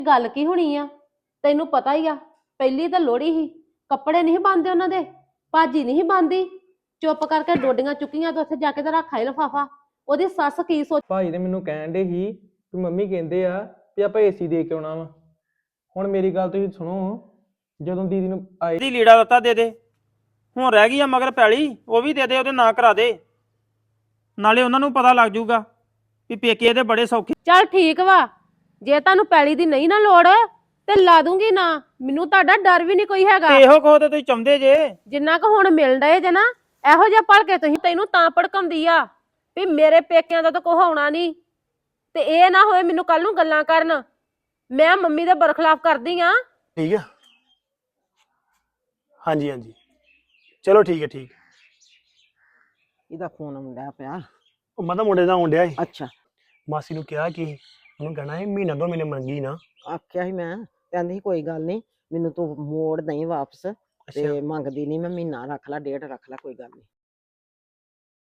ਗੱਲ ਕੀ ਹੋਣੀ ਆ? ਤੈਨੂੰ ਪਤਾ ਹੀ ਆ, ਪਹਿਲੀ ਤਾਂ ਲੋਹੜੀ ਸੀ, ਕੱਪੜੇ ਨਹੀਂ ਬੰਨਦੇ ਉਹਨਾਂ ਦੇ, ਭਾਜੀ ਨਹੀਂ ਬੰਨਦੀ, ਚੁੱਪ ਕਰਕੇ ਡੋਡੀਆਂ ਚੁੱਕੀਆਂ ਤੇ ਉੱਥੇ ਜਾ ਕੇ ਤੇ ਰੱਖ ਆਏ ਲਿਫਾਫਾ। ਉਹਦੀ ਸੱਸ ਕੀ ਸੋਚ। ਭਾਈ ਨੇ ਮੈਨੂੰ ਕਹਿਣ ਦੇ ਸੀ ਕਿ ਮੰਮੀ ਕਹਿੰਦੇ ਆ ਵੀ ਆਪਾਂ ਏਸੀ ਦੇ ਕੇ ਆਉਣਾ ਵਾ। ਹੁਣ ਮੇਰੀ ਗੱਲ ਤੁਸੀਂ ਸੁਣੋ, ਜਦੋਂ ਦੀਦੀ ਨੂੰ ਆਏ ਦੀ ਲੀੜਾ ਲੱਤਾ ਦੇ ਦੇ, ਹੁਣ ਰਹਿ ਗਈ ਆ ਮਗਰ ਪੈਲੀ, ਉਹ ਵੀ ਦੇ ਦੇ, ਉਹਦੇ ਨਾਂ ਕਰਾ ਦੇ, ਨਾਲੇ ਉਹਨਾਂ ਨੂੰ ਪਤਾ ਲੱਗ ਜਾਊਗਾ ਵੀ ਪੇਕੇ ਇਹਦੇ ਬੜੇ ਸੌਖੇ। ਚੱਲ ਠੀਕ ਵਾ, ਜੇ ਤੁਹਾਨੂੰ ਪੈਲੀ ਦੀ ਨਹੀਂ ਨਾ ਲੋੜ ਤੇ ਲਾ ਦੂੰਗੀ ਨਾ, ਮੈਨੂੰ ਤੁਹਾਡਾ ਡਰ ਵੀ ਨਹੀਂ ਕੋਈ ਹੈਗਾ। ਤੇ ਇਹੋ ਕਹੋ ਤੇ ਤੁਸੀਂ ਚਾਹੁੰਦੇ ਜੇ। ਜਿੰਨਾ ਕੁ ਹੁਣ ਮਿਲ ਡਏ ਜੇ ਨਾ, ਇਹੋ ਜਿਹਾ ਭੜ ਕੇ ਤੁਸੀਂ, ਤੈਨੂੰ ਤਾਂ ਭੜਕਾਉਂਦੀ ਆ ਵੀ ਮੇਰੇ ਪੇਕਿਆਂ ਦਾ ਤਾਂ ਕੁਛ ਹੋਣਾ ਨਹੀਂ, ਤੇ ਇਹ ਨਾ ਹੋਏ ਮੈਨੂੰ ਕੱਲ ਨੂੰ ਗੱਲਾਂ ਕਰਨ ਮੈਂ ਮੰਮੀ ਦੇ ਬਰਖਲਾਫ ਕਰਦੀ ਆ। ਠੀਕ ਆ, ਹਾਂਜੀ ਹਾਂਜੀ, ਚਲੋ ਠੀਕ ਹੈ ਠੀਕ। ਇਹਦਾ ਫੋਨ ਆਉਂਦਾ ਪਿਆ। ਉਹ ਮੈਂ ਤਾਂ ਮੁੰਡੇ ਦਾ ਆਉਣ ਡਿਆ ਸੀ, ਅੱਛਾ, ਮਾਸੀ ਨੂੰ ਕਿਹਾ ਕਿ ਉਹਨੂੰ ਕਹਿਣਾ ਹੈ ਮਹੀਨਾ ਦੋ ਮਹੀਨੇ ਮੰਗੀ ਨਾ। ਆਖਿਆ ਸੀ ਮੈਂ, ਕਹਿੰਦੀ ਸੀ ਕੋਈ ਗੱਲ ਨਹੀਂ, ਮੈਨੂੰ ਤੂੰ ਮੋੜ ਨਹੀਂ ਵਾਪਸ, ਤੇ ਮੰਗਦੀ ਨਹੀਂ, ਮੈਂ ਮਹੀਨਾ ਰੱਖ ਲਾ, ਡੇਢ ਰੱਖ ਲਾ, ਕੋਈ ਗੱਲ ਨਹੀਂ।